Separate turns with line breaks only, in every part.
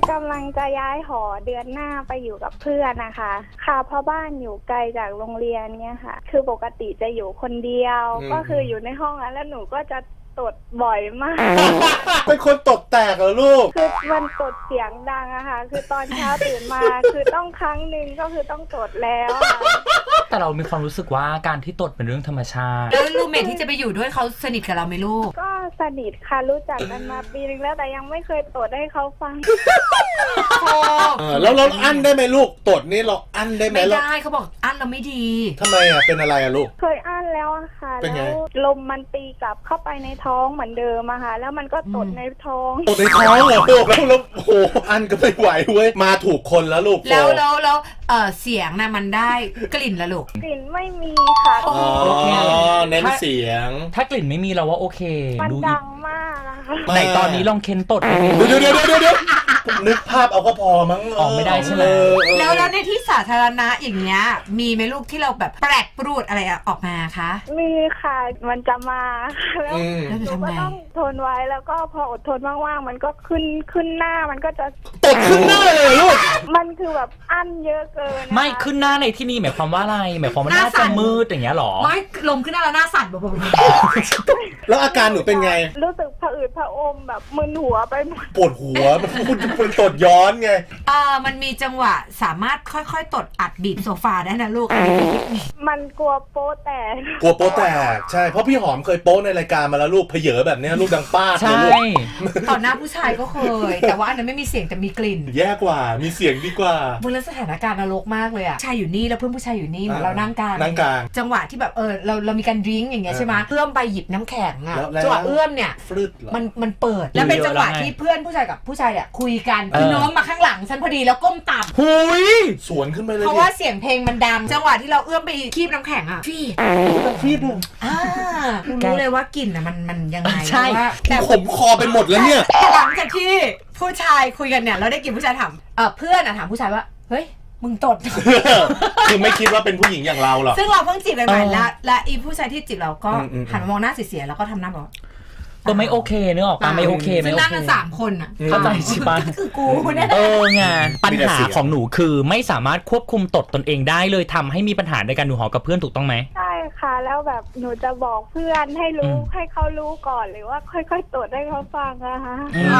กำลังจะย้ายหอเดือนหน้าไปอยู่กับเพื่อนนะคะค่ะเพราะบ้านอยู่ไกลจากโรงเรียนเนี่ยค่ะคือปกติจะอยู่คนเดียวก็คืออยู่ในห้องแล้วหนูก็จะตดบ่อยมาก
เป็นคนตดแตกเหรอลูก
คือมันตดเสียงดังอะค่ะคือตอนเช้าตื่นมาคือต้องครั้งหนึ่งก็คือต้องตดแล้ว
แต่เรามีความรู้สึกว่าการที่ตดเป็นเรื่องธรรมชาติ
แล้วรูเมทที่จะไปอยู่ด้วยเขาสนิทกับเราไหมลูก
ก็สนิทค่ะรู้จักกันมาปีนึงแล้วแต่ยังไม่เคยตดให้เขาฟัง
แล้วเราอั้นได้ไหมลูกตดนี่เราอั้นได้ไหม
ไม่ได้เขาบอกอั้นเราไม่ดี
ทำไมอ่ะเป็นอะไรอ่ะลูก
เคยอั้นแล้วอะค่ะแล้วลมมันตีกลับเข้าไปในท้องเหมือนเดิมอะค่ะแล้วมันก็ตดในท้อง
ตดในท้องเหรอลูกแล้วโอ้โหอั้นก็ไม่ไหวเว้ยมาถูกคนแล้วลูก
แล้วเสียงน่ะมันได้กลิ่นละลูก
กลิ่นไม่มีค่ะ
อ๋อเน้นเสียง
ถ้ากลิ่นไม่มีเราว่าโอเค
มันดังมากนะคะ
ไหนตอนนี้ลองเค้นตด
เดี๋ยวนึกภาพเอาก็พอมั้ง
ออกไม่ได้ใช่ไหม
แล้วในที่สาธารณะอย่างเงี้ยมีไหมลูกที่เราแบบแปลกปรูดอะไรออกมาคะ
มีค่ะมันจะมาแล้วหนูก็ต้องทนไว้แล้วก็พออดทนว่างๆมันก็ขึ้นหน้ามันก็จะ
ตดขึ้นหน้าเลยลูก
มันคือแบบอั้นเยอะเกิน
ไม่ขึ้นหน้าในที่นี่หมายความว่าอะไรหมายความว่าหน้าจะมืดอย่างเงี้ยหรอ
ไม่ลมขึ้นหน้าแล้วหน้าสั่นแบบ
แล้วอาการหนูเป็นไง
รู้สึกผะอืดผะอมแบบมึนหัวไปหมด
ปวดหัวมันพูดเป็นตดย้อนไง
มันมีจังหวะสามารถค่อยๆตดอัดบีบโซฟาได้นะลูก
มันกลัวโป๊แตก
กลัวโป๊แตกใช่เพราะพี่หอมเคยโป๊ในรายการมาแล้วลูกเผยแบบนี้ลูกดังป้า
ใช่
ต่อหน้าผู้ชายก็เคยแต่ว่าอันนั้นไม่มีเสียงแต่มีกลิ่น
แย่กว่ามีเสียงดีกว่า
บนสถานการณ์นรกมากเลยอะชายอยู่นี่แล้วเพื่อนผู้ชายอยู่นี่เหมือนเรานั่งกลางจังหวะที่แบบเรามีการดริ้งอย่างเงี้ยใช่ไหมเอื้อมไปหยิบน้ำแข็งอะจังหวะเอื้อมเนี่ยมันเปิดแล้วเป็นจังหวะที่เพื่อนผู้ชายกับผู้ชายเนี่ยคุยกันคือน้องมาข้างหลังฉันพอดีแล้วก้มต่ำ
หุย
สวนขึ้นไปเลย
เพราะว่าเสียงเพลงมันดังจังหวะที่เราเอื้อมไปคีบน้ำแข็งอะ
ฟีด
รู้เลยว่ากลิ่นอะมันยังไง
ใช่
แต่ขมคอไปหมดแล้วเนี่ย
หลังจากที่ผู้ชายคุยกันเนี่ยเราได้กลิ่นผู้ชายถามเพื่อนอะถามผู้ชายว่าเฮ้ยมึงตด
คือไม่คิดว่าเป็นผู้หญิงอย่างเราหรอก
ซึ่งเราเพิ่งจีบใหม่ๆและอีผู้ชายที่จีบเราก็หันมามองหน้าเสียๆแล้วก็ทำหน้าบอก
ก็ไม่โอเคเนอะออกมาไม่โอเค
ซึ่งนั่งกัน3 คนอ่ะ
เข้าใจใช่ปะ
คือกูเนี่ย
ไงปัญหาของหนูคือไม่สามารถควบคุมตดตนเองได้เลยทำให้มีปัญหาในการดูหอกับเพื่อนถูกต้องไหม
ใช่ค่ะแล้วแบบหนูจะบอกเพื่อนให้รู้ให้เขารู้ก่อนหรือว่าค่อยๆตดให้เขาฟังนะคะ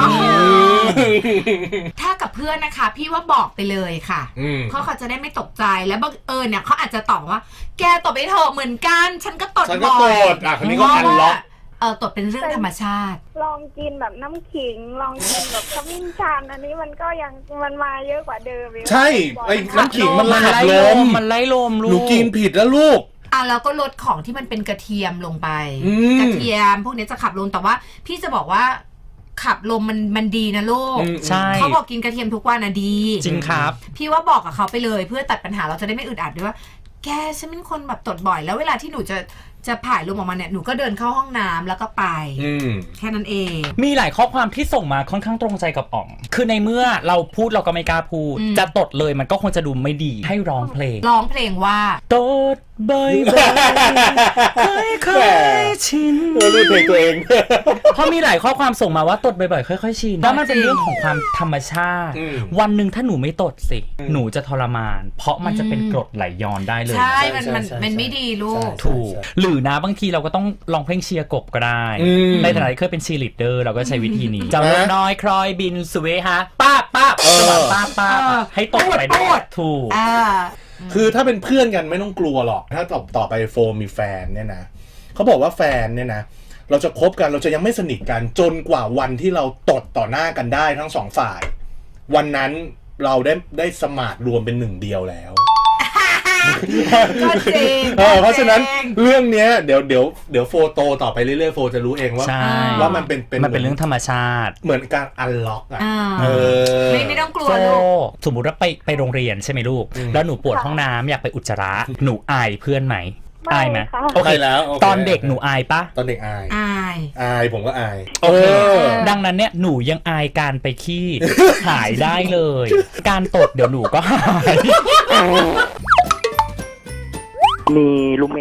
ถ้ากับเพื่อนนะคะพี่ว่าบอกไปเลยค่ะเพราะเขาจะได้ไม่ตกใจและบังเอิญเนี่ยเขาอาจจะตอบว่าแกตดไปเถอะเหมือนกันฉันก็ตดบ่อย
คนนี้ก็อันล็อก
ตดเป็นเรื่องธรรมชาติ
ลองกินแบบน้ำขิงลองกินแบบขมิ้นชันอันนี้มันก็ยังมันมาเยอะกว่าเดิม
ใช่ไอ้น้ำขิงมันไล่ลม
ลูก
หนูกินผิดแล้วลูก
แล้วก็ลดของที่มันเป็นกระเทียมลงไปกระเทียมพวกนี้จะขับลมแต่ว่าพี่จะบอกว่าขับลมมันดีนะลูก
ใช่
เขาบอกกินกระเทียมทุกวันนะดี
จริงครับ
พี่ว่าบอกกับเขาไปเลยเพื่อตัดปัญหาเราจะได้ไม่อึดอัดด้วยว่าแกฉันเป็นคนแบบตดบ่อยแล้วเวลาที่หนูจะผ่ายลมออกมาเนี่ยหนูก็เดินเข้าห้องน้ำแล้วก็ไปแค่นั้นเอง
มีหลายข้อความที่ส่งมาค่อนข้างตรงใจกับอ๋อมคือในเมื่อเราพูดเราก็ไม่กล้าพูดจะตดเลยมันก็คงจะดูไม่ดีให้ร้องเพลงว่าตดบ่อยๆค่อยๆชิน
รู้เพลงตัวเอง
เพราะมีหลายข้อความส่งมาว่าตดบ่อยๆค่อยๆชินแล้วมันเป็นเรื่องของความธรรมชาติวันหนึ่งถ้าหนูไม่ตดสิหนูจะทรมานเพราะมันจะเป็นกรดไหลย้อนได้เลย
ใช่มันไม่ดีลูก
ถูกหรือนะบางทีเราก็ต้องลองเพลงเชียร์กบก็ได้ในฐานะที่เคยเป็นเชียร์ลีดเดอร์เราก็ใช้วิธีนี้จะน้อยคลอยบินสเวฮะป้าให้ตดไปด้วยถูก
คือถ้าเป็นเพื่อนกันไม่ต้องกลัวหรอกถ้าต่อไปโฟมมีแฟนเนี่ยนะเขาบอกว่าแฟนเนี่ยนะเราจะคบกันเราจะยังไม่สนิทกันจนกว่าวันที่เราตดต่อหน้ากันได้ทั้งสองฝ่ายวันนั้นเราได้สมาร์ทรวมเป็นหนึ่งเดียวแล้ว
ก็จริง
เพราะฉะนั้นเรื่องเนี้ยเดี๋ยวโฟโตต่อไปเรื่อยๆโฟจะรู้เองว่ามันเป็น
เรื่องธรรมชาติ
เหมือนการอันล็อกอ่ะ
ไม่ต้องกลัวลูก
สมมุติว่าไปโรงเรียนใช่ไหมลูกแล้วหนูปวดห้องน้ำอยากไปอุจจาระหนูอายเพื่อนไหมอายไหม
โอเคแล้ว
ตอนเด็กหนูอายปะ
ตอนเด็กอายผมก็อาย
ดังนั้นเนี่ยหนูยังอายการไปขี้หายได้เลยการตดเดี๋ยวหนูก็หาย
มีรูมเมท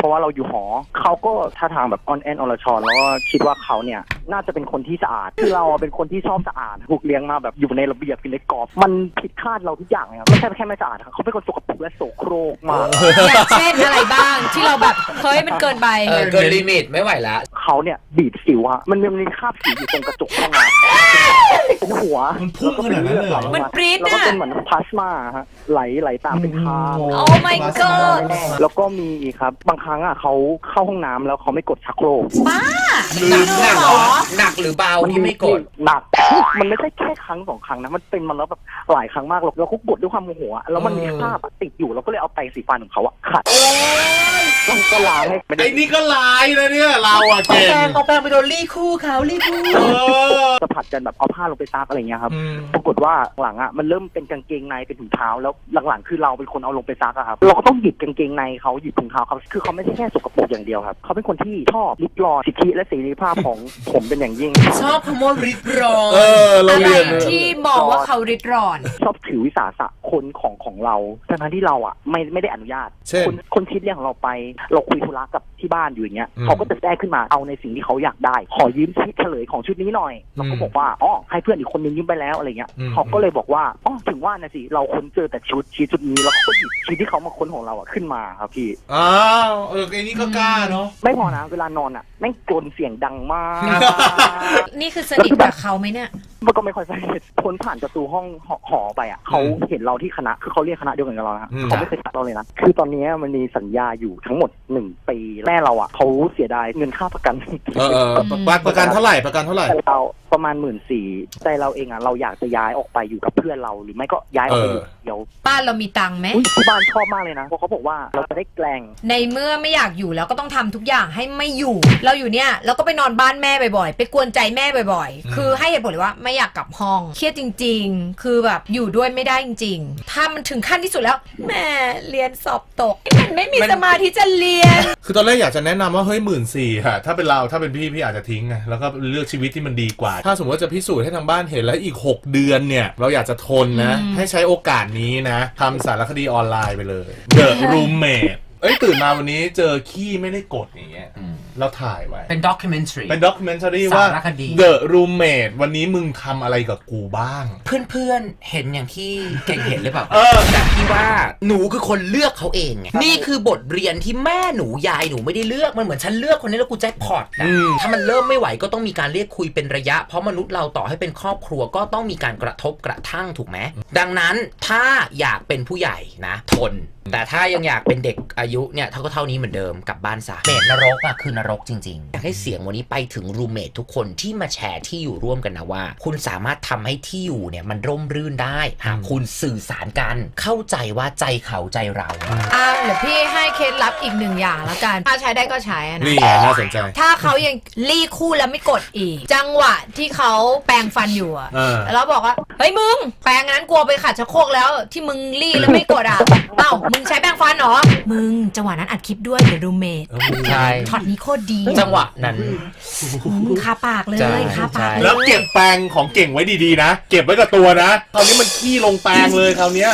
เพราะว่าเราอยู่หอเขาก็ท่าทางแบบอ่อนแอนอรชรแล้วก็คิดว่าเขาเนี่ยน่าจะเป็นคนที่สะอาดคือเราเป็นคนที่ชอบสะอาดถูกเลี้ยงมาแบบอยู่ในระเบียบอยู่ในกรอบมันผิดคาดเราทุกอย่างเลยครับไม่ใช่แค่ไม่สะอาดเขาเป็นคนสกปรกและโสโครกมาก
อย่างเช่นอะไรบ้างที่เราแบบเฮ้ยมันเกินไป
เกินลิมิตไม่ไหวละ
เขาเนี่ยบีบสิวอะมันมีคราบสิวอยู่ตรงกระจกห้องน้ำเป็นหัว
มันพุ่งขนาดนั้นเลย
มันปรี๊ด
แล้วก็เป็นเหมือนพลาสมาฮะไหลตามเป็นทาง
โอ้ my god
แล้วก็มีอีกครับบางครั้งอะเขาเข้าห้องน้ำแล้วเขาไม่กดชักโครก
บ้า
หนักหรือเบาที่ไม่กด
หนักมันไม่ใช่แค่ครั้ง2 ครั้งนะมันเป็นมันแล้วแบบหลายครั้งมากแล้วเขากดด้วยความโมโหแล้วมันมีคราบติดอยู่แล้วก็เลยเอาแปรงสีฟันของเขาอะขัดมันก็ล้างให้
ไอ้นี่ก็ลายเลยเนี่ยเราอะเก่ง
เอาแปรงไปโดนรีคู่เขารีคู่
จะผัดกันแบบเอาผ้าลงไปซักอะไรเงี้ยครับปรากฏว่าหลังอะมันเริ่มเป็นกางเกงในเป็นถุงเท้าแล้วหลังๆคือเราเป็นคนเอาลงไปซักอะครับเราก็ต้องหยิบกางเกงในเขาหยิบถุงเท้าเขาคือเขาไม่ใช่แค่สกปรกอย่างเดียวครับเขาเป็นคนที่ชอบริดรอนสิทธิและเสรีภาพของผมเป็นอย่างยิ่ง
ชอบคำว่าริดรอน
เราเรียน
ที่มองว่าเขาริดรอน
ชอบถือวิสาสะคนของเราทั้งที่เราอะไม่ได้อนุญาตคนคิดเรื่องของเราไปเราคุยธุระกับที่บ้านอยู่อย่างเงี้ยเขาก็จะแทรกขึ้นมาเอาในสิ่งที่เขาอยากได้ขอยืมชุดเฉลยของชุดนี้หน่อยเราก็บอกว่าอ๋อให้เพื่อนอีกคนนึงยืมไปแล้วอะไรเงี้ยเขาก็เลยบอกว่าอ๋อถึงว่านะสิเราค้นเจอแต่ชุดนี้แล้วก็หยิบชุดที่เขามาค้นของเราอะขึ้นมาครับพี่
อ้าวไอ้นี่ก็กล้าเนาะ
ไม่พอนะเวลานอนอะแม่งกรนเสียงดังมาก
นี่คือสนิทกับเขาไหมเนี่ย
มันก็ไม่ค่อยสนิทพ้นผ่านประตูห้องหอไปอ่ะเขาเห็นเราที่คณะคือเขาเรียกคณะเดียวกันกับเราฮะเขาไม่เคยทักเราเลยนะคือตอนนี้มันมีสัญญาอยู่ทั้งหมด1 ปีแม่เราอ่ะเขาเสียดายเงินค่าประกัน
ประกันเท่าไหร่
เราประมาณ14,000ใจเราเองอ่ะเราอยากจะย้ายออกไปอยู่กับเพื่อนเราหรือไม่ก็ย้ายออกไปอยู่เดียว
บ้านเรามีตังค์ไหม
ที่บ้านชอบมากเลยนะเพราะเขาบอกว่าเราจะได้แกล้ง
ในเมื่อไม่อยากอยู่แล้วก็ต้องทำทุกอย่างให้ไม่อยู่เราอยู่เนี่ยเราก็ไปนอนบ้านแม่บ่อยๆไปกวนใจแม่บ่อยๆคือให้เหตุผลเลยว่าไม่อยากกลับห้องเครียดจริงๆคือแบบอยู่ด้วยไม่ได้จริงๆถ้ามันถึงขั้นที่สุดแล้วแม่เรียนสอบตกมันไม่มีสมาธิจะเรียน
คือตอนแรกอยากจะแนะนำว่าเฮ้ย14,000ค่ะถ้าเป็นเราถ้าเป็นพี่อาจจะทิ้งไงแล้วก็เลือกชีวิตที่มันดีกว่าถ้าสมมติว่าจะพิสูจน์ให้ทางบ้านเห็นแล้วอีก6 เดือนเนี่ยเราอยากจะทนนะให้ใช้โอกาสนี้นะทำสารคดีออนไลน์ไปเลย The Roommate ตื่นมาวันนี้เจอขี้ไม่ได้กดอย่างเงี้ยเราถ่ายไว้
เป็นด็อกิเมนทรี
ว่า The Roommate วันนี้มึงทำอะไรกับกูบ้าง
เพื่อนๆเห็นอย่างที่เก่งเห็นหรือเปล่าแต่พี่ว่าหนูคือคนเลือกเขาเองไงนี่คือบทเรียนที่แม่หนูยายหนูไม่ได้เลือกมันเหมือนฉันเลือกคนนี้แล้วกูแจ็คพอตนะถ้ามันเริ่มไม่ไหวก็ต้องมีการเรียกคุยเป็นระยะเพราะมนุษย์เราต่อให้เป็นครอบครัวก็ต้องมีการกระทบกระทั่งถูกไหมดังนั้นถ้าอยากเป็นผู้ใหญ่นะทนแต่ถ้ายังอยากเป็นเด็กอายุเนี่ยเท่านี้เหมือนเดิมกลับบ้านซะเมทนรกอะคือนรกจริงๆอยากให้เสียงวันนี้ไปถึงรูเมททุกคนที่มาแชร์ที่อยู่ร่วมกันนะว่าคุณสามารถทำให้ที่อยู่เนี่ยมันร่มรื่นได้หากคุณสื่อสารกันเข้าใจว่าใจเขาใจเรา
เดี๋ยวพี่ให้เคล็ดลับอีก1 อย่างแล้วกันถ้าใช้ได้ก็ใช้นะ
นี่น่าสนใจ
ถ้าเขายังรีคู่แล้วไม่กดอีกจังหวะที่เขาแปรงฟันอยู่อะแล้วบอกว่าเฮ้ยมึงแปรงนั้นกลัวไปขัดชักโครกแล้วที่มึงรีแล้วไม่กดอ่ะเอ้ามึงใช้แปรงฟันเหรอมึงจังหวะนั้นอัดคลิปด้วยเดี๋ยวรูเมท
ใช่
ช็อตนี้โคตรดี
จังหวะนั้น
คาปากเลยคาปาก
แล้วเก็บแปรงของเก่งไว้ดีๆนะเก็บไว้กับตัวนะคราวนี้มันขี้ลงแปรงเลยคราวนี้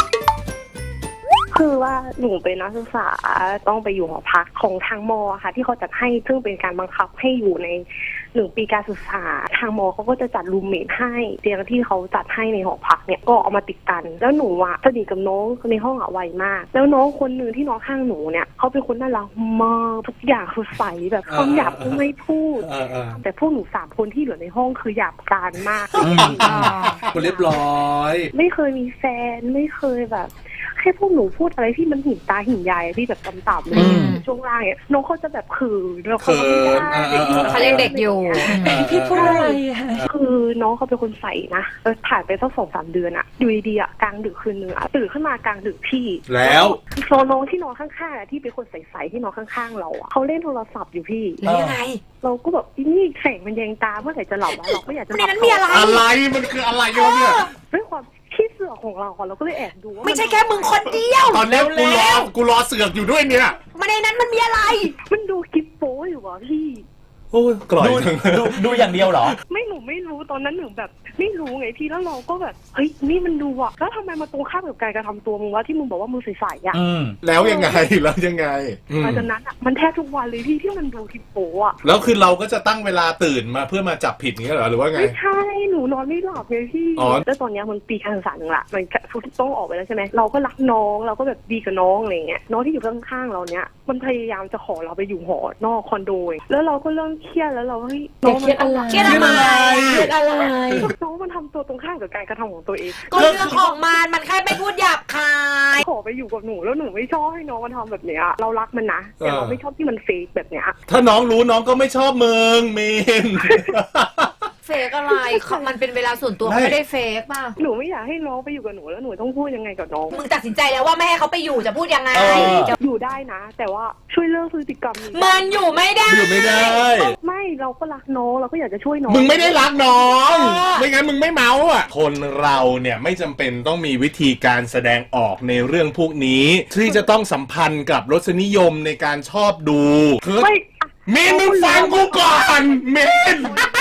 คือว่าหนูเป็นนักศึกษาต้องไปอยู่หอพักของทางม.ค่ะที่เขาจัดให้ซึ่งเป็นการบังคับให้อยู่ใน1 ปีการศึกษาทางม.เขาก็จะจัดรูมเมทให้เตียงที่เขาจัดให้ในหอพักเนี่ยก็เอามาติดกันแล้วหนูอะสนิทกับน้องในห้องอะไวมากแล้วน้องคนนึงที่น้องข้างหนูเนี่ยเขาเป็นคนน่ารักมากทุกอย่างคือใสแบบคำหยาบก็ไม่พูดแต่พวกหนู3 คนที่เหลือในห้องคือหยาบกร้านมาก
คนเรียบร้อย
ไม่เคยมีแฟนไม่เคยแบบแค่พวกหนูพูดอะไรที่มันหินตาหินยายที่แบบต่ำๆเลยช่วงล่างเนี่ยน้องเขาจะแบบขืนแล้วเขา
เขาเรียกเด็กอยู่พี่พูดอะไร
คือน้องเขาเป็นคนใสนะผ่านไปสัก2-3 เดือนอะอยู่ดีๆอะกลางดึกคืนนึงอะตื่นขึ้นมากลางดึกพี่
แล้ว
โซน้องที่นอนข้างๆที่เป็นคนใสๆที่นอนข้างๆเราอะเขาเล่นโทรศัพท์อยู่พี่
แล้วยังไง
เราก็แบบนี่แสงมันแยงตาเมื่อไหร่จะหลับเราก็อยากจะหลับ
ในนั้นมีอะไร
มันคืออะไรเนี่ย
ด้วยความขี้เสือกของเราเราก็เลยแอบดูว่า
ไม่ใช่แค่มึงคนเดียว
ตอนนี้กูรอเสือกอยู่ด้วยเนี่ย
มาในนั้นมันมีอะไร
มันดูคลิปโป๊อยู่วะพี่
โอ้ยกร่อย
ดูอย่างเดียวเหรอ
หนูไม่รู้ตอนนั้นหนูแบบไม่รู้ไงพี่แล้วเราก็แบบเฮ้ยนี่มันดูอ่ะแล้วทำไมมาตรงข้ามกับการกระทำตัวมึงว่าที่มึงบอกว่ามือใสๆอ่ะ
แล้วยังไงหลัง
จากนั้นอ่ะมันแทบทุกวันเลยพี่ที่มันดูทิปโปอ่ะ
แล้วคือเราก็จะตั้งเวลาตื่นมาเพื่อมาจับผิดงี้เหรอหรือว่าไง
ไม่ใช่หนูนอนไม่หลับไงพี่แล้วตอนนี้มันปีการศึกษาหนึ่งละมันต้องออกไปแล้วใช่ไหมเราก็รักน้องเราก็แบบดีกับน้องอะไรเงี้ยน้องที่อยู่ข้างๆเราเนี้ยมันพยายามจะขอเราไปอยู่หอนอกคอนโดแล้วเราก็เริ่มเครียดแล้วเราเฮ้ยน้องมัน
เครียดอะไร
น้องมันทำตัวตรงข้ามกับการกระทำของตัวเอง
ก็เรื่องของมันแค่ไม่พูดหยาบคาย
ขอไปอยู่กับหนูแล้วหนูไม่ชอบให้น้องมันทำแบบเนี้ยเรารักมันนะแต่เราไม่ชอบที่มันเฟกแบบเนี้ย
ถ้าน้องรู้น้องก็ไม่ชอบมึงเมน
เฟกอะไรมันเป็นเวลาส่วนตัวไม่ได้เฟกป่ะ
หนูไม่อยากให้น้องไปอยู่กับหนูแล้วหนูต้องพูดยังไงกับน้อง
มึงตัดสินใจแล้วว่าไม่ให้เขาไปอยู่จะพูดยังไง
อยู่ได้นะแต่ว่าช่วยเลิกพฤติกรรมนี้
มันอยู่ไม่ได้
ไม่เราก็รักน้องเราก็อยากจะช่วยน้อง
มึงไม่ได้รักน้องไม่งั้นมึงไม่เมาอ่ะคนเราเนี่ยไม่จำเป็นต้องมีวิธีการแสดงออกในเรื่องพวกนี้ที่จะต้องสัมพันธ์กับรสนิยมในการชอบดูคือเมนมึงฟังกูก่อนเมน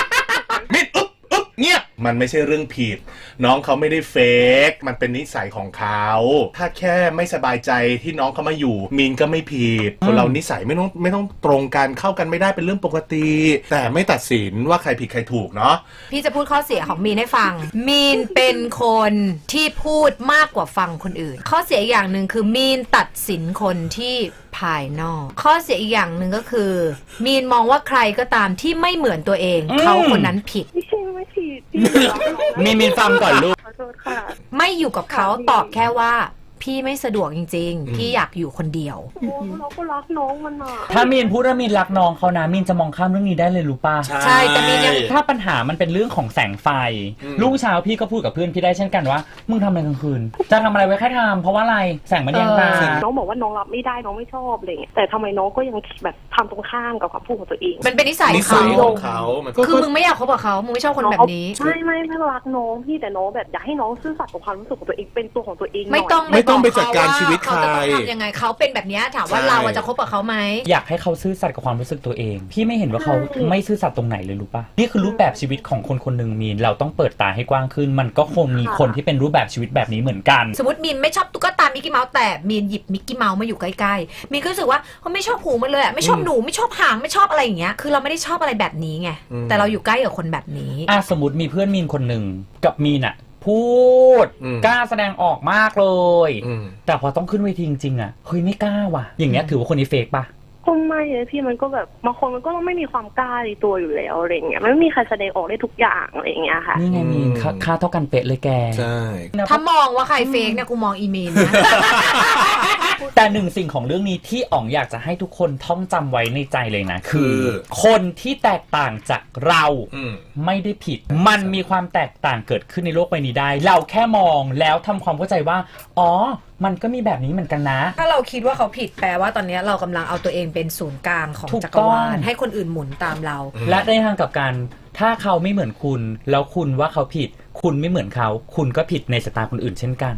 เงียบมันไม่ใช่เรื่องผิดน้องเขาไม่ได้เฟกมันเป็นนิสัยของเขาถ้าแค่ไม่สบายใจที่น้องเขามาอยู่มีนก็ไม่ผิดคนเรานิสัยไม่ต้องตรงกันเข้ากันไม่ได้เป็นเรื่องปกติแต่ไม่ตัดสินว่าใครผิดใครถูกเนาะ
พี่จะพูดข้อเสียของมีนให้ฟังมีนเป็นคนที่พูดมากกว่าฟังคนอื่นข้อเสียอย่างหนึ่งคือมีนตัดสินคนที่ภายนอกข้อเสียอีกอย่างหนึ่งก็คือมีนมองว่าใครก็ตามที่ไม่เหมือนตัวเองเขาคนนั้นผิด
ไม่ใช่ไม่ผิด
มีนฟังก่อนลูก
ไม่อยู่กับเขาตอบแค่ว่าพี่ไม่สะดวกจริงๆพี่อยากอยู่คนเดียว
เราก็รักน้องมันอ่ะ
ถ้ามีนพูดว่ามีนรักน้องเขานะมีนจะมองข้ามเรื่องนี้ได้เลยรู้ป่ะ
ใช่แต่มีนยัง
ถ้าปัญหามันเป็นเรื่องของแสงไฟรุ่งเช้าพี่ก็พูดกับเพื่อนพี่ได้เช่นกันว่ามึงทำอะไรกลางคืนจะทำอะไรไว้แค่ทำเพราะว่าอะไรแสงมันแยงตา
น้องบอกว่าน้องรับไม่ได้น้องไม่ชอบอะไรเงี้ยแต่ทำไมน้องก็ยังแบบทำตรงข้ามกับความพูดของตัวเอง
มันเป็นนิสัยของเขาคือมึงไม่อยากคบกับเขามึงไม่ชอบคนแบบนี้
ไม่รักน้องพี่แต่น้องแบบอยากให้น้องซื่อสัตย์กับความรู้สึกของตัวเองเป็นตัวของตัวเอง
ไม่ต้องไปจัดการชีวิตใคร
ยังไงเขาเป็นแบบนี้ถามว่าเราจะคบกับเขาไหม
อยากให้เขาซื่อสัตย์กับความรู้สึกตัวเองพี่ไม่เห็นว่าเขาไม่ซื่อสัตย์ตรงไหนเลยรู้ป่ะนี่คือรูปแบบชีวิตของคนคนหนึ่งมีนเราต้องเปิดตาให้กว้างขึ้นมันก็คงมีคนที่เป็นรูปแบบชีวิตแบบนี้เหมือนกัน
สมมติมีนไม่ชอบตุ๊กตามิกกี้เมาส์แต่มีนหยิบมิกกี้เมาส์มาอยู่ใกล้ๆมีนก็รู้สึกว่าเขาไม่ชอบหูมันเลยไม่ชอบหนูไม่ชอบหางไม่ชอบอะไรอย่างเงี้ยคือเราไม่ได้ชอบอะไรแบบนี้ไงแต่เราอยู่ใกล้กับคนแบบนี้
สมมติมีเพื่อนมีนคนหนึ่งกับมีนอะพูดกล้าแสดงออกมากเลยแต่พอต้องขึ้นเวทีจริงๆอ่ะเฮ้ยไม่กล้าว่ะอย่างเงี้ยถือว่าคนนี้เฟกป่ะ
ก็ไม่เลยพี่มันก็แบบบางคนมันก็ต้องไม่มีความกล้าในตัวอยู่แล้วอะไรเงี้ยมันไม่มีใครแสดงออกได้ทุกอย่างอะไรเงี้ยค่ะ
นี่ไงมีค่าเท่ากันเป๊ะเลยแก
ใช่
ถ้ามองว่าใครเฟกเนี่ยกูมองอีเมลนะ
แต่หนึ่งสิ่งของเรื่องนี้ที่อ๋องอยากจะให้ทุกคนท่องจำไว้ในใจเลยนะคือคนที่แตกต่างจากเราไม่ได้ผิดมันมีความแตกต่างเกิดขึ้นในโลกใบนี้ได้เราแค่มองแล้วทำความเข้าใจว่าอ๋อมันก็มีแบบนี้เหมือนกันนะ
ถ้าเราคิดว่าเขาผิดแปลว่าตอนนี้เรากำลังเอาตัวเองเป็นศูนย์กลางของจักรวาลให้คนอื่นหมุนตามเรา
และในทางกลับกันถ้าเขาไม่เหมือนคุณแล้วคุณว่าเขาผิดคุณไม่เหมือนเขาคุณก็ผิดในสายตาคนอื่นเช่นกัน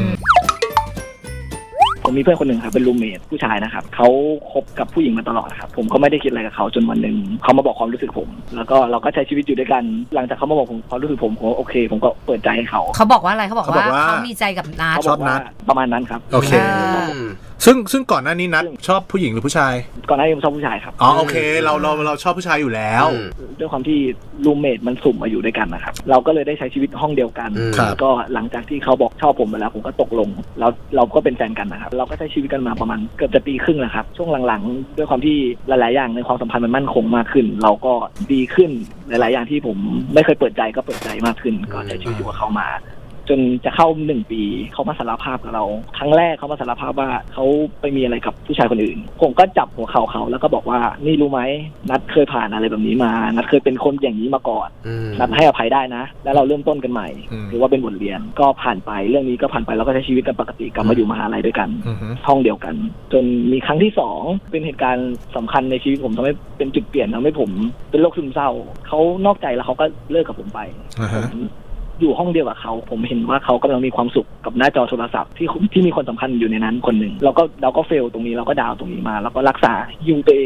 ผมมีเพื่อนคนหนึ่งครับเป็นรูมเมทผู้ชายนะครับเขาคบกับผู้หญิงมาตลอดครับผมก็ไม่ได้คิดอะไรกับเขาจนวันหนึ่งเขามาบอกความรู้สึกผมแล้วก็เราก็ใช้ชีวิตอยู่ด้วยกันหลังจากเขามาบอกผมความรู้สึกผมโอเคผมก็เปิดใจให้เขา
บอกว่าอะไรเขาบอกว่าเขามีใจกับนัท
เขาบอกว่าประมาณนั้นครับ
โอเคซึ่งก่อนหน้านี้นัทชอบผู้หญิงหรือผู้ชาย
ก่อนหน้านี้ผมชอบผู้ชายครับ
โอเคเราชอบผู้ชายอยู่แล้ว
ด้วยความที่รูมเมทมันสุ่มมาอยู่ด้วยกันนะครับเราก็เลยได้ใช้ชีวิตห้องเดียวกันก็หลังจากที่เขาบอกชอบผมไปแล้วผมก็ตกลงแล้วเราก็เป็นแฟนกันนะครับเราก็ใช้ชีวิตกันมาประมาณเกือบจะปีครึ่งแล้วครับช่วงหลังๆด้วยความที่หลายๆอย่างในความสัมพันธ์มันมั่นคงมากขึ้นเราก็ดีขึ้นหลายๆอย่างที่ผมไม่เคยเปิดใจก็เปิดใจมากขึ้นก็ใช้ชีวิตอยู่กับเขามาจนจะเข้า1 ปีเขามาสารภาพกับเราครั้งแรกเขามาสารภาพว่าเขาไปมีอะไรกับผู้ชายคนอื่นผมก็จับหัวเข่าเขาแล้วก็บอกว่านี่รู้ไหมนัทเคยผ่านอะไรแบบนี้มานัทเคยเป็นคนอย่างนี้มาก่อนนัทให้อภัยได้นะแล้วเราเริ่มต้นกันใหม่หรือว่าเป็นบทเรียนก็ผ่านไปเรื่องนี้ก็ผ่านไปแล้วก็ใช้ชีวิตกันปกติกลับมาอยู่มหาลัยด้วยกันห้องเดียวกันจนมีครั้งที่2เป็นเหตุการณ์สำคัญในชีวิตผมทำให้เป็นจุดเปลี่ยนทำให้ผมเป็นโรคซึมเศร้าเขานอกใจแล้วเขาก็เลิกกับผมไปอยู่ห้องเดียวกับเขาผมเห็นว่าเขากำลังมีความสุขกับหน้าจอโทรศัพท์ที่มีคนสำคัญอยู่ในนั้นคนหนึ่งเราก็เฟลตรงนี้เราก็ดาวตรงนี้มาแล้วก็รักษาฮิวตัวเอง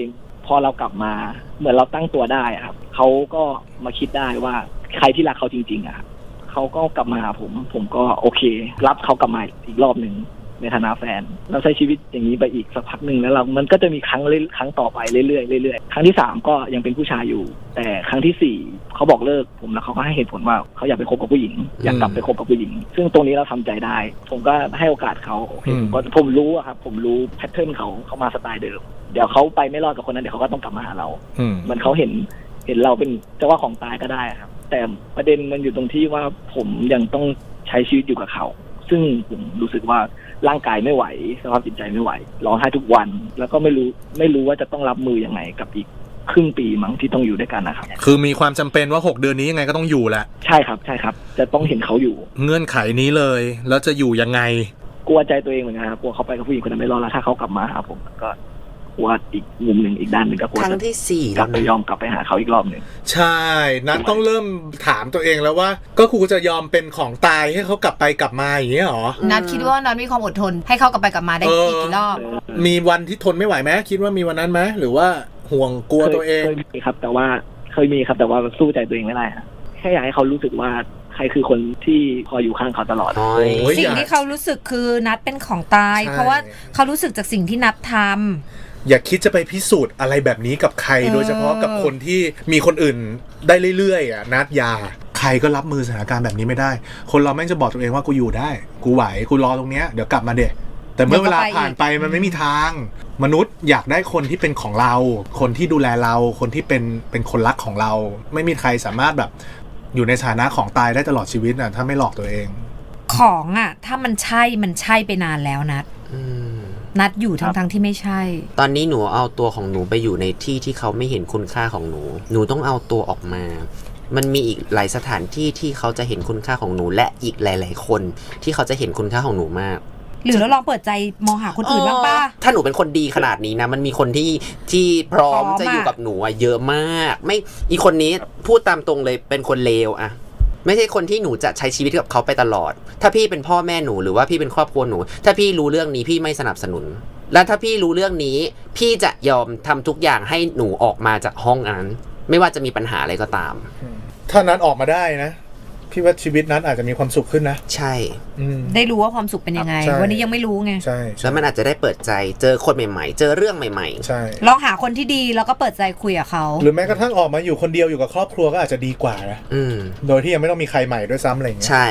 พอเรากลับมาเหมือนเราตั้งตัวได้ครับเขาก็มาคิดได้ว่าใครที่รักเขาจริงๆอะครับเขาก็กลับมาหาผมก็โอเครับเขากลับมาอีกรอบหนึ่งในฐานะแฟนเราใช้ชีวิตอย่างนี้ไปอีกสักพักหนึ่งแล้วมันก็จะมีครั้งต่อไปเรื่อยๆเรื่อยๆครั้งที่3ก็ยังเป็นผู้ชายอยู่แต่ครั้งที่4เขาบอกเลิกผมแล้วเขาก็ให้เหตุผลว่าเขาอยากไปคบกับผู้หญิงอยากกลับไปคบกับผู้หญิงซึ่งตรงนี้เราทำใจได้ผมก็ให้โอกาสเขาผมรู้อะครับผมรู้แพทเทิร์นเขามาสไตล์เดิมเดี๋ยวเขาไปไม่รอดกับคนนั้นเดี๋ยวเขาก็ต้องกลับมาหาเรามันเขาเห็นเราเป็นเจ้าว่าของตายก็ได้ครับแต่ประเด็นมันอยู่ตรงที่ว่าผมยังต้องใช้ชีวิตอยู่กับเขาซึ่งผมรู้สึกว่าร่างกายไม่ไหวสภาพจิตใจไม่ไหวร้องไห้ทุกวันแล้วก็ไม่รู้ว่าจะต้องรับมือยังไงกับอีกครึ่งปีมั้งที่ต้องอยู่ด้วยกันนะครับ
คือมีความจำเป็นว่า6เดือนนี้ยังไงก็ต้องอยู่แหละ
ใช่ครับจะต้องเห็นเขาอยู่
เงื่อนไขนี้เลยแล้วจะอยู่ยังไง
กลัวใจตัวเองเหมือนกันครับกลัวเขาไปกับผู้หญิงคนนั้นไม่รอดแล้วถ้าเขากลับมาหาผมก็กลัวอีกมุมหนึ่งอีกด้านหนึ่งก็กลัว
ครั้งที่4
กลับไปยอมกลับไปหาเขาอีกรอบหนึ่ง
ใช่นัทต้องเริ่มถามตัวเองแล้วว่าก็กูจะยอมเป็นของตายให้เขากลับไปกลับมาอย่างเงี้ยหรอ
นัทคิดว่านัทมีความอดทนให้เขากลับไปกลับมาได้อีกรอบ
มีวันที่ทนไม่ไหวไหมคิดว่ามีวันนั้นไหมหรือว่าห่วงกลัวตัวเอง
เคยมีครับแต่ว่าสู้ใจตัวเองไม่ได้แค่อยากให้เขารู้สึกว่าใครคือคนที่คอยอยู่ข้างเขาตลอด
สิ่งที่เขารู้สึกคือนัทเป็นของตายเพราะว่าเขารู้สึกจากสิ่งที่นัททำ
อย่าคิดจะไปพิสูจน์อะไรแบบนี้กับใครโดยเฉพาะกับคนที่มีคนอื่นได้เรื่อยๆนัดยาใครก็รับมือสถานการณ์แบบนี้ไม่ได้คนเราแม่งจะบอกตัวเองว่ากูอยู่ได้กูไหวกูรอตรงเนี้ยเดี๋ยวกลับมาเด็กแต่เมื่อเวลาผ่านไปมันไม่มีทางมนุษย์อยากได้คนที่เป็นของเราคนที่ดูแลเราคนที่เป็นคนรักของเราไม่มีใครสามารถแบบอยู่ในฐานะของตายได้ตลอดชีวิตน่ะถ้าไม่หลอกตัวเอง
ของอ่ะถ้ามันใช่ไปนานแล้วนัดอยู่ทั้งที่ไม่ใช่
ตอนนี้หนูเอาตัวของหนูไปอยู่ในที่เขาไม่เห็นคุณค่าของหนูต้องเอาตัวออกมามันมีอีกหลายสถานที่ที่เขาจะเห็นคุณค่าของหนูและอีกหลายๆคนที่เขาจะเห็นคุณค่าของหนูมาก
หรือเราลองเปิดใจมองหาคนอื่นบ้างป่ะ
ถ้าหนูเป็นคนดีขนาดนี้นะมันมีคนที่พร้อมจะอยู่กับหนูเยอะมากไม่อีคนนี้พูดตามตรงเลยเป็นคนเลวอะไม่ใช่คนที่หนูจะใช้ชีวิตกับเขาไปตลอดถ้าพี่เป็นพ่อแม่หนูหรือว่าพี่เป็นครอบครัวหนูถ้าพี่รู้เรื่องนี้พี่ไม่สนับสนุนและถ้าพี่รู้เรื่องนี้พี่จะยอมทำทุกอย่างให้หนูออกมาจากห้องนั้นไม่ว่าจะมีปัญหาอะไรก็ตาม
ถ้านั้นออกมาได้นะพี่ว่าชีวิตนั้นอาจจะมีความสุขขึ้นนะ
ใช่
ได้รู้ว่าความสุขเป็นยังไงวันนี้ยังไม่รู้ไง
ใช่
แล้วมันอาจจะได้เปิดใจเจอคนใหม่ๆเจอเรื่องใหม่
ๆใช่
ลองหาคนที่ดีแล้วก็เปิดใจคุยกับเขา
หรือแม้กระทั่งออกมาอยู่คนเดียวอยู่กับครอบครัวก็อาจจะดีกว่านะโดยที่ยังไม่ต้องมีใครใหม่ด้วยซ้ำอะไรอย่างเงี้ย
ใช่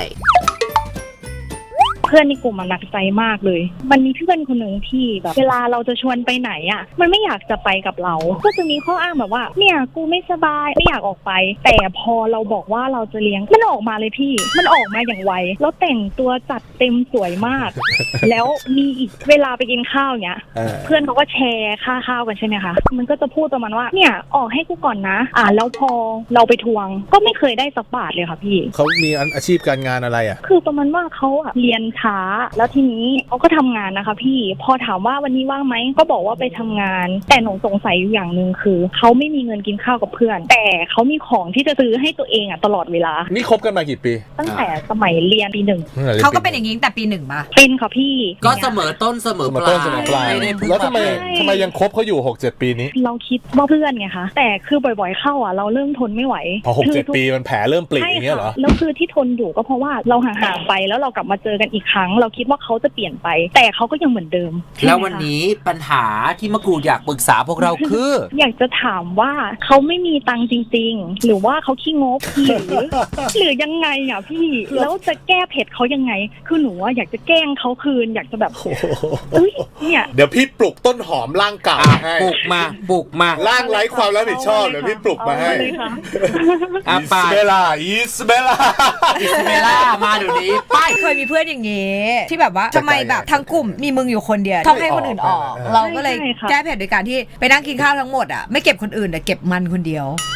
เพื่อนในกลุ่มมันหนักใจมากเลยมันมีเพื่อนคนหนึ่งที่แบบเวลาเราจะชวนไปไหนอ่ะมันไม่อยากจะไปกับเราก็จะมีข้ออ้างแบบว่าเนี่ยกูไม่สบายไม่อยากออกไปแต่พอเราบอกว่าเราจะเลี้ยงมันออกมาเลยพี่มันออกมาอย่างไวแล้วแต่งตัวจัดเต็มสวยมากแล้วมีอีกเวลาไปกินข้าวเนี้ยเพื่อนเขาก็แชร์ค่าข้าวกันใช่ไหมคะมันก็จะพูดประมาณว่าเนี่ยออกให้กูก่อนนะแล้วพอเราไปทวงก็ไม่เคยได้สักบาทเลยค่ะพี่
เขามีอาชีพการงานอะไรอ่ะ
คือประมาณว่าเขาเรียนช้าแล้วทีนี้เขาก็ทำงานนะคะพี่พอถามว่าวันนี้ว่างไหมก็บอกว่าไปทำงานแต่หนูสงสัยอยู่อย่างนึงคือเขาไม่มีเงินกินข้าวกับเพื่อนแต่เขามีของที่จะซื้อให้ตัวเองตลอดเวลา
นี่คบกันมากี่ปี
ตั้งแต่สมัยเรียนปี1
เขาก็เป็นอย่างนี้ตั้งแต่ปี1ป่ะ
เป็นค่ะพี่
ก็เสมอต้นเสมอปลาย
แล้วทำไมยังคบเขาอยู่ 6-7 ปีนี้
เราคิดว่าเพื่อนไงคะแต่คือบ่อยๆเข้าเราเริ่มทนไม่ไหว
พอ 6-7 ปีมันแผลเริ่มปริอย่างเงี้ยเหรอ
แล้วคือที่ทนอยู่ก็เพราะว่าเราห่างๆไปแล้วเรากลับมาเจอกันอีกครั้งเราคิดว่าเขาจะเปลี่ยนไปแต่เขาก็ยังเหมือนเดิม
แล้ววันนี้ปัญหาที่มะกรูดอยากปรึกษาพวกเราคือ
อยากจะถามว่าเขาไม่มีตังค์จริงๆหรือว่าเขาขี้งกหรือยังไงพี่แล้วจะแก้เผ็ดเขายังไงคือหนูอยากจะแกล้งเขาคืนอยากจะแบบ
เนี่ยเดี๋ยวพี่ปลุกต้นหอมร่างเก่าให้
ปลุกมา
ร่างไร้ความรับผิดชอบเดี๋ยวพี่ปลุกมาให้อิสเบล่า
มาเดี๋ยวนี้
ไปเคยมีเพื่อนอย่างงี้ที่แบบว่าทำไมแบบทั้งกลุ่มมีมึงอยู่คนเดียวต้องให้คนอื่นออกเราก็เลยแก้เผ็ดโดยการที่ไปนั่งกินข้าวทั้งหมดไม่เก็บคนอื่นแต่เก็บมันคนเดียว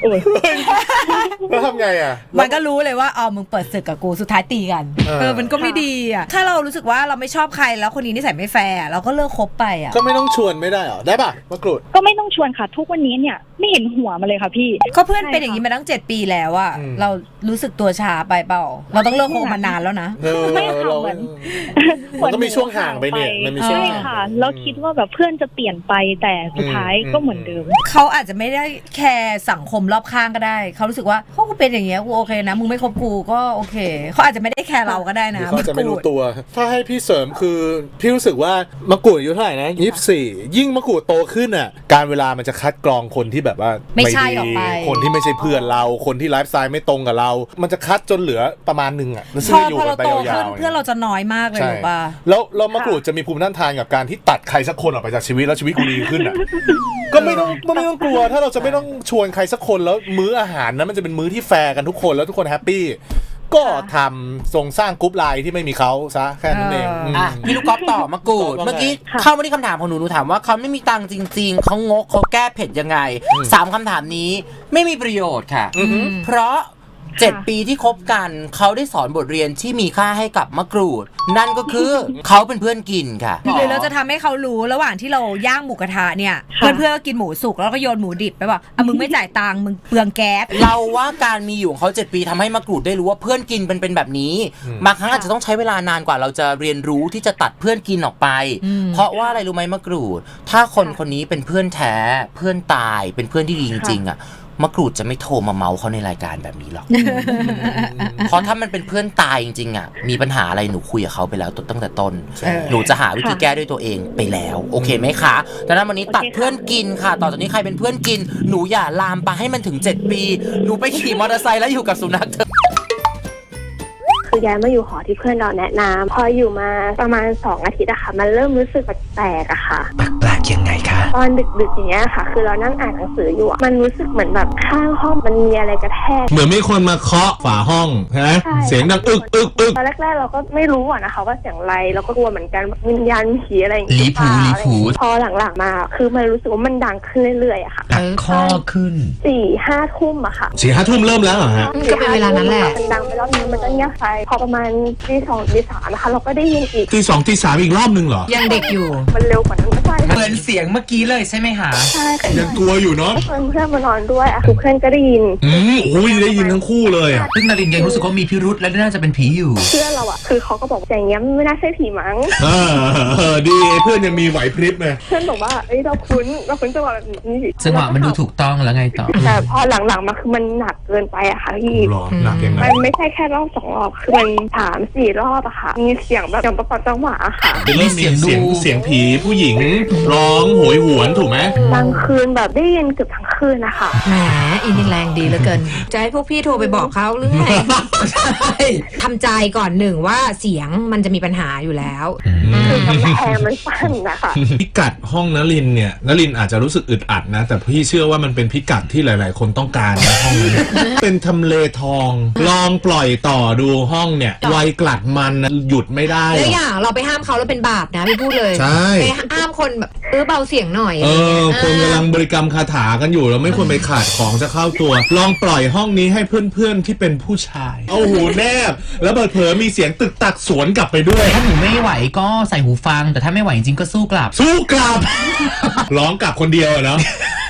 แล้วทำไงอ่ะ
มันก็รู้เลยว่ามึงเปิดศึกกับกูสุดท้ายตีกันมันก็ไม่ดีอ่ะถ้าเรารู้สึกว่าเราไม่ชอบใครแล้วคนนี้นิสัยไม่แฟร์เราก็เลิกคบไปอ่ะ
ก็ไม่ต้องชวนไม่ได้หรอได้ป่ะมะกรูด
ก็ไม่ต้องชวนค่ะทุกวันนี้เนี่ยไม่เห็นหัวมาเลยค่ะพี่
ก็เพื่อนเป็นอย่างนี้มาตั้ง7 ปีแล้วอ่ะเรารู้สึกตัวช้าไปเปล่าเราต้องเลิกคบมานานแล้วนะ
ไม่ค่ะเหมือน
มันก็มีช่วงห่างไปเนี่ยมันมีช่วงห่าง
ค่ะเราคิดว่าแบบเพื่อนจะเปลี่ยนไปแต่สุดท้ายก็เหมือนเดิม
เขาอาจจะไม่ได้แคร์สังคมรอบข้างก็ได้เขารู้สึกว่าเขาเป็นอย่างเงี้ยกูโอเคนะมึงไม่คบกูก็โอเคเขาอาจจะไม่ได้แคร์เราก็ได้นะ
เขาจะไม่รู้ตัวถ้าให้พี่เสริมคือพี่รู้สึกว่ามะกรูดอายุเท่าไหร่นะ24ยิ่งมะกรูดโตขึ้นอ่ะการเวลามันจะคัดกรองคนที่แบบว่า
ไม่ใช่ออกไป
คนที่ไม่ใช่เพื่อนเราคนที่ไลฟ์สไตล์ไม่ตรงกับเรามันจะคัดจนเหลือประมาณนึงอ่ะ
พอเราโตขึ้นเพื่อนเราจะน้อยมากเลยหรือเปล่า
แล้วมะกรูดจะมีภูมิต้านทานกับการที่ตัดใครสักคนออกไปจากชีวิตแล้วชีวิตกูดีขึ้นอ่ะก็ไม่ต้องกลัวถ้าเราจะไม่ต้องชวนใครสักคนแล้วมื้ออาหารนั้นมันจะเป็นมื้อที่แฟร์กันทุกคนแล้วทุกคนแฮปปี้ก็ทำทรงสร้างกรุ๊ปไลน์ที่ไม่มีเขาซะแค่นั้นเอง
พี่ลูกก๊อฟต่อมะกรูดเมื่อกี้เข้ามาที่คำถามของหนูถามว่าเขาไม่มีตังค์จริงๆเขางกเขาแก้เผ็ดยังไง3คำถามนี้ไม่มีประโยชน์ค่ะเพราะ7 ปีที่คบกันเขาได้สอนบทเรียนที่มีค่าให้กับมะกรูดนั่นก็คือเขาเป็นเพื่อนกินค่ะ
หรือเราจะทำให้เขารู้ระหว่างที่เราย่างหมูกระทะเนี่ยเพื่อนๆก็กินหมูสุกแล้วก็โยนหมูดิบไปบอกมึงไม่จ่ายตังค์มึงเปลืองแก๊ส
เราว่าการมีอยู่ของเขา7 ปีทำให้มะกรูดได้รู้ว่าเพื่อนกินเป็นแบบนี้บางครั้งอาจจะต้องใช้เวลานานกว่าเราจะเรียนรู้ที่จะตัดเพื่อนกินออกไปเพราะว่าอะไรรู้ไหมมะกรูดถ้าคนนี้เป็นเพื่อนแท้เพื่อนตายเป็นเพื่อนที่ดีจริงๆอ่ะมะกรูดจะไม่โทรมาเมาเขาในรายการแบบนี้หรอก เพราะถ้ามันเป็นเพื่อนตายจริงๆอ่ะมีปัญหาอะไรหนูคุยกับเขาไปแล้วตั้งแต่ต้นหนูจะหาวิธีแก้ด้วยตัวเองไปแล้วโอเคไหมคะดังนั้นวันนี้ตัดเพื่อนกินค่ะต่อจากนี้ใครเป็นเพื่อนกินหนูอย่าลามไปให้มันถึง7 ปีหนูไปขี่มอเตอร์ไซค์แล้วอยู่กับสุนัขเถอะ
คือย้ายมาอยู่หอที่เพื่อนเราแนะนำพออยู่มาประมาณ2 อาทิตย์อะค่ะมันเริ่มรู้สึกแปลกๆอะค่ะ
แปลกยังไงคะ
ตอนดึกๆอย่างเงี้ยค่ะคือเรานั่งอ่านหนังสืออยู่มันรู้สึกเหมือนแบบข้างห้องมันมีอะไรกระแทก
เหมือนมีคนมาเคาะฝาห้องใช่ไหมเสียงดังอึก
ตอนแรกๆเราก็ไม่รู้อะนะคะว่าเสียงอะไรเราก็กลัวเหมือนกันวิญญาณผีอะไรอย่างเงี้
ยลีผู
พอหลังๆมาคือมันรู้สึกว่ามันดังขึ้นเรื่อยๆอะค่ะ
ดังคอขึ้น
4-5 ทุ่มอะค่ะ
4-5 ทุ่มเริ่มแล้วเหรอฮะ
ก็เป็นเวลานั้นแหละ
มันดังไปรอบนึงมันก็เงียบไปพอประมาณตี 2 ตี 3นะคะเราก็ได้ยินอีก
ตี 2 ตี 3อีกรอบนึงเหรอ
ยังเด็กอยู่
มันเร็วกว่านั้นก็ใช่
เหมือนเสียงเมื่อกี้เลยใช่ไหมคะ
ใช่
ยังกลัวอยู่เนาะ
เพื่อนมานอนด้วยทุกเพื่อนก็ได้ยิน
โอ้ยได้ยินทั้งคู่เลย
ซึ่งนรินยังรู้สึกว่ามีพิรุธและน่าจะเป็นผีอยู่
เพื่อนเราคือเขาก็บอกอย่างเงี้ยไม่น่าใช่ผีมั้ง
ดีเพื่อนยังมีไหวพริบเลย
เพื่อนบอกว่าเราคุ้นจังหวะแบบนี้
จังหวะมันดูถูกต้องแล้วไงต่อ
แต่พอหลังๆมาคือมันหนักเกินไปอะค่ะพี่
หนักยังไง
มันไม่ใช่แค่รอบ2 รอบคือมัน3-4 รอบอะค่ะมีเสียงแบบอย่างประกอบจังหวะค่ะ
เป็นเสียงผีผู้หญิงร้องโหยหวนถูกไหม
บางคืนแบบได้ยินเกือบทั้งคืนนะคะ
แหมอินแรงดีเหลือเกินจะให้พวกพี่โทรไปบอกเขาหรือไงใช่ทำใจก่อนหนึ่งว่าเสียงมันจะมีปัญหาอยู่แล้ว
คือกำแพงมันสั้นนะคะ
พิกัดห้องนลินเนี่ยนลินอาจจะรู้สึกอึดอัดนะแต่พี่เชื่อว่ามันเป็นพิกัดที่หลายๆคนต้องการในห้องนี้เป็นทำเลทองลองปล่อยต่อดูห้องเนี่ยไวกลัดมันหยุดไม่ได้
แล้วอย่างเราไปห้ามเขาแล้วเป็นบาปนะพี่พูดเลย
ใช่
ไปห้ามคนแบบเบาเสียงหน่อย
คนกำลังบริกรรมคาถากันอยู่เราไม่ควรไปขาดของจะเข้าตัวลองปล่อยห้องนี้ให้เพื่อนๆที่เป็นผู้ชายเอาหูแนบแล้วเผลอมีเสียงตึกตักสวนกลับไปด้วย
ถ้าหนูไม่ไหวก็ใส่หูฟังแต่ถ้าไม่ไหวจริงๆก็สู้กลับ
ร้องกลับคนเดียวเนาะ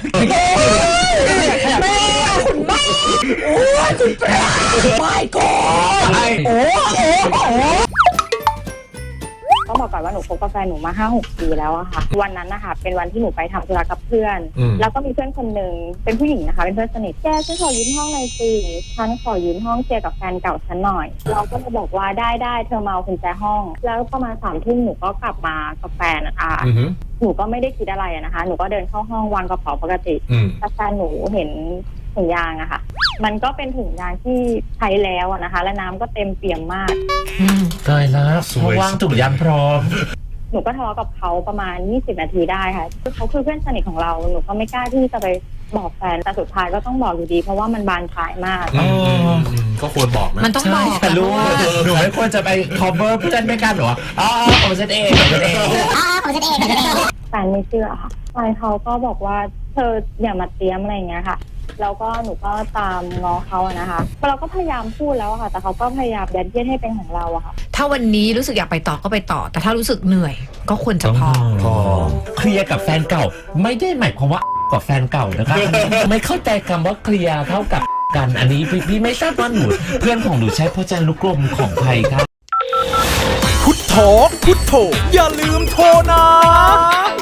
ไม่ต้องบอกก่อนว่าหนูคบกับแฟนหนูมา 5-6 ปีแล้วอะค่ะวันนั้นนะคะเป็นวันที่หนูไปทำธุระกับเพื่อนแล้วก็มีเพื่อนคนหนึ่งเป็นผู้หญิงนะคะเป็นเพื่อนสนิทแกฉันขอยืมห้องหน่อยสิฉันขอยืมห้องเชียร์กับแฟนเก่าฉันหน่อยเราก็เลยบอกว่าได้เธอมาเอากุญแจห้องแล้วประมาณ3 ทุ่มหนูก็กลับมากับแฟนนะคะหนูก็ไม่ได้คิดอะไรนะคะหนูก็เดินเข้าห้องวางกระเป๋าปกติแต่แฟนหนูเห็นถุงยางอะค่ะมันก็เป็นถุงยางที่ใช้แล้วนะคะและน้ำก็เต็มเปี่ยมมาก
ตายแล้วเพราะว่างถุงยางพร้อม
หนูก็ทะเลาะกับเขาประมาณ20 นาทีได้ค่ะเขาคือเพื่อนสนิทของเราหนูก็ไม่กล้าที่จะไปบอกแฟนแต่สุดท้ายก็ต้องบอกอยู่ดีเพราะว่ามันบานปลายมาก
ก็ควรบอกนะ
มันต้องบอก
แต่รู้หนูไม่ควรจะไป cover เพื่อนไม่กล้าหรอผมจะเอง
แฟนไม่เชื่อค่ะแฟนเขาก็บอกว่าเธออย่ามาเตรียมอะไรอย่างเงี้ยค่ะแล้วก็หนูก็ตามง้อเขาอะนะคะเราก็พยายามพูดแล้วอะค่ะแต่เขาก็พยายามยัดเยียดให้เป็นของเราอะค่ะ
ถ้าวันนี้รู้สึกอยากไปต่อก็ไปต่อแต่ถ้ารู้สึกเหนื่อยก็ควรจะพอ
เคลียร์กับแฟนเก่าไม่ได้หมายความว่ากับแฟนเก่านะครับ ไม่เข้าใจคำว่าเคลียร์เท่ากับกันอันนี้พี่ไม่ทราบว่าหนูเพื่อนของหนูใช้พจนานุกรมของใครครับ
พุทโธพุทโธอย่าลืมโทรนะ